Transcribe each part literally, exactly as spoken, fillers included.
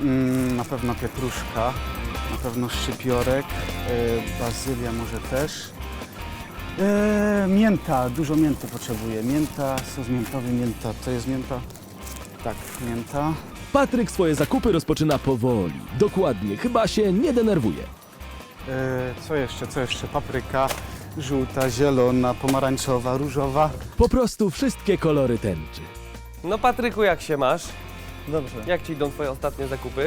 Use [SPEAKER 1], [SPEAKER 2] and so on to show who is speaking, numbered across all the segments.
[SPEAKER 1] Mm, na pewno pietruszka, na pewno szczypiorek, yy, bazylia może też. Yy, mięta, dużo mięty potrzebuję. Mięta, sos miętowy, mięta. To jest mięta? Tak, mięta.
[SPEAKER 2] Patryk swoje zakupy rozpoczyna powoli, dokładnie, chyba się nie denerwuje.
[SPEAKER 1] Yy, co jeszcze, co jeszcze? Papryka, żółta, zielona, pomarańczowa, różowa.
[SPEAKER 2] Po prostu wszystkie kolory tęczy.
[SPEAKER 3] No Patryku, jak się masz?
[SPEAKER 4] Dobrze.
[SPEAKER 3] Jak ci idą twoje ostatnie zakupy?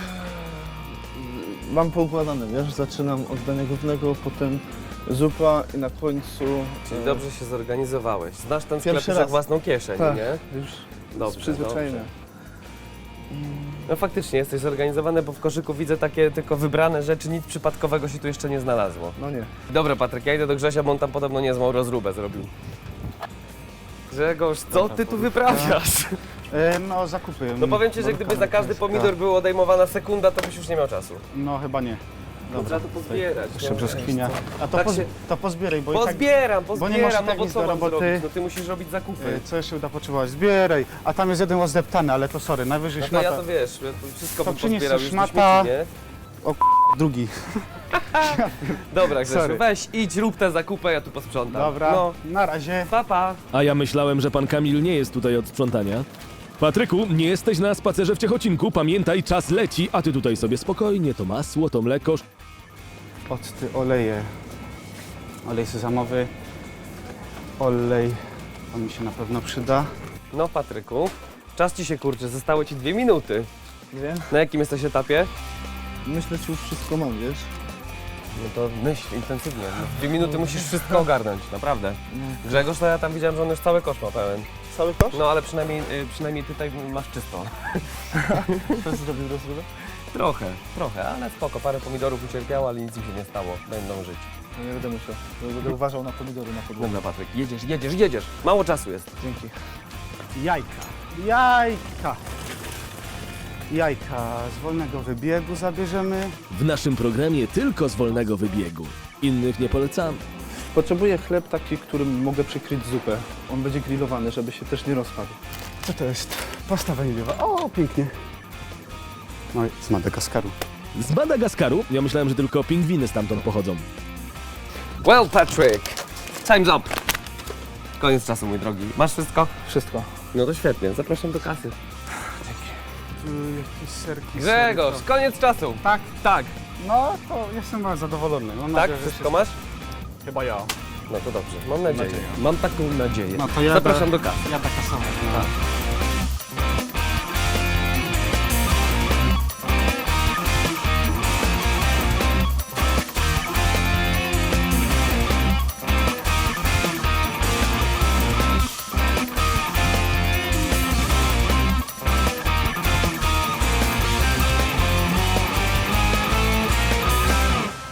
[SPEAKER 4] Mam poukładane, wiesz, zaczynam od dania głównego, potem zupa i na końcu...
[SPEAKER 3] Czyli
[SPEAKER 4] e,
[SPEAKER 3] dobrze się zorganizowałeś. Znasz ten sklep
[SPEAKER 4] Pierwszy
[SPEAKER 3] już jak
[SPEAKER 4] raz.
[SPEAKER 3] własną kieszeń,
[SPEAKER 4] Tak,
[SPEAKER 3] nie?
[SPEAKER 4] już
[SPEAKER 3] Dobrze,
[SPEAKER 4] przyzwyczajenie.
[SPEAKER 3] dobrze. No faktycznie jesteś zorganizowany, bo w koszyku widzę takie tylko wybrane rzeczy, nic przypadkowego się tu jeszcze nie znalazło.
[SPEAKER 4] No nie.
[SPEAKER 3] Dobra Patryk, ja idę do Grzesia, bo on tam podobno niezłą rozróbę zrobił. Grzegorz, co ty tu wyprawiasz?
[SPEAKER 1] Yy, no, zakupy.
[SPEAKER 3] No powiem ci, że gdyby za każdy pomidor była odejmowana sekunda, to byś już nie miał czasu.
[SPEAKER 1] No, chyba nie.
[SPEAKER 3] No, trzeba to pozbierać.
[SPEAKER 1] Jeszcze
[SPEAKER 3] no.
[SPEAKER 1] brzoskwinia. A to,
[SPEAKER 3] Tak
[SPEAKER 1] poz,
[SPEAKER 3] się-
[SPEAKER 1] to pozbieraj, bo i tak...
[SPEAKER 3] Pozbieram,
[SPEAKER 1] bo nie
[SPEAKER 3] pozbieram,
[SPEAKER 1] masz
[SPEAKER 3] no
[SPEAKER 1] tak
[SPEAKER 3] bo
[SPEAKER 1] nic
[SPEAKER 3] co
[SPEAKER 1] do
[SPEAKER 3] mam
[SPEAKER 1] roboty.
[SPEAKER 3] zrobić? No ty musisz robić zakupy.
[SPEAKER 1] Yy, co jeszcze uda potrzebować? Zbieraj. A tam jest jeden ozdeptany, ale to sorry, najwyżej
[SPEAKER 3] No to
[SPEAKER 1] szmata.
[SPEAKER 3] ja to wiesz, ja to wszystko
[SPEAKER 1] To
[SPEAKER 3] bym
[SPEAKER 1] przyniesiesz
[SPEAKER 3] pozbierał już do
[SPEAKER 1] szmata.
[SPEAKER 3] śmieci, nie?
[SPEAKER 1] Drugi.
[SPEAKER 3] Dobra Grzesiu,
[SPEAKER 1] Sorry.
[SPEAKER 3] weź, idź, rób tę zakupę, ja tu posprzątam.
[SPEAKER 1] Dobra,
[SPEAKER 3] No,
[SPEAKER 1] na razie.
[SPEAKER 3] pa, pa.
[SPEAKER 2] A ja myślałem, że pan Kamil nie jest tutaj od sprzątania. Patryku, nie jesteś na spacerze w Ciechocinku, pamiętaj, czas leci, a ty tutaj sobie spokojnie, to masło, to mleko.
[SPEAKER 1] Octy, oleje. Olej sezamowy. Olej. To mi się na pewno przyda.
[SPEAKER 3] No Patryku, czas ci się kurczy, zostały ci dwie minuty.
[SPEAKER 4] Wiem.
[SPEAKER 3] Na jakim jesteś etapie?
[SPEAKER 4] Myślę, że już wszystko mam, wiesz?
[SPEAKER 3] No to myśl intensywnie. No, w dwie minuty musisz wszystko ogarnąć, naprawdę. Grzegorz, to ja tam widziałem, że on już cały kosz ma pełen.
[SPEAKER 4] Cały kosz?
[SPEAKER 3] No ale przynajmniej, y, przynajmniej tutaj masz czysto.
[SPEAKER 4] To zrobił rozrywę?
[SPEAKER 3] Trochę, trochę, ale spoko. Parę pomidorów ucierpiało, ale nic im się nie stało. Będą żyć.
[SPEAKER 4] No nie będę musiał. Będę uważał na pomidory na podłodze.
[SPEAKER 3] Dobra Patryk, jedziesz, jedziesz, jedziesz. Mało czasu jest.
[SPEAKER 4] Dzięki.
[SPEAKER 1] Jajka. Jajka. Jajka z wolnego wybiegu zabierzemy.
[SPEAKER 2] W naszym programie tylko z wolnego wybiegu. Innych nie polecamy.
[SPEAKER 4] Potrzebuję chleb taki, którym mogę przykryć zupę. On będzie grillowany, żeby się też nie rozpadł.
[SPEAKER 1] Co to jest? Pasta waniliowa. O, pięknie. No i z Madagaskaru.
[SPEAKER 2] Z Madagaskaru? Ja myślałem, że tylko pingwiny stamtąd pochodzą.
[SPEAKER 3] Well Patrick, time's up. Koniec czasu, mój drogi. Masz wszystko?
[SPEAKER 4] Wszystko.
[SPEAKER 3] No to świetnie, zapraszam do kasy.
[SPEAKER 1] Tu jakieś serki.
[SPEAKER 3] Grzegorz,
[SPEAKER 1] sery,
[SPEAKER 3] koniec czasu.
[SPEAKER 1] to- Tak?
[SPEAKER 3] Tak,
[SPEAKER 1] No, to jestem bardzo zadowolony. Mam
[SPEAKER 3] tak,
[SPEAKER 1] nadzieję, że
[SPEAKER 3] wszystko
[SPEAKER 1] się-
[SPEAKER 3] masz?
[SPEAKER 1] Chyba ja.
[SPEAKER 3] No to dobrze, mam nadzieję.
[SPEAKER 1] nadzieję.
[SPEAKER 3] Mam taką nadzieję.
[SPEAKER 1] No to ja
[SPEAKER 3] Zapraszam
[SPEAKER 1] da-
[SPEAKER 3] do kasy.
[SPEAKER 1] Ja da kasować. No.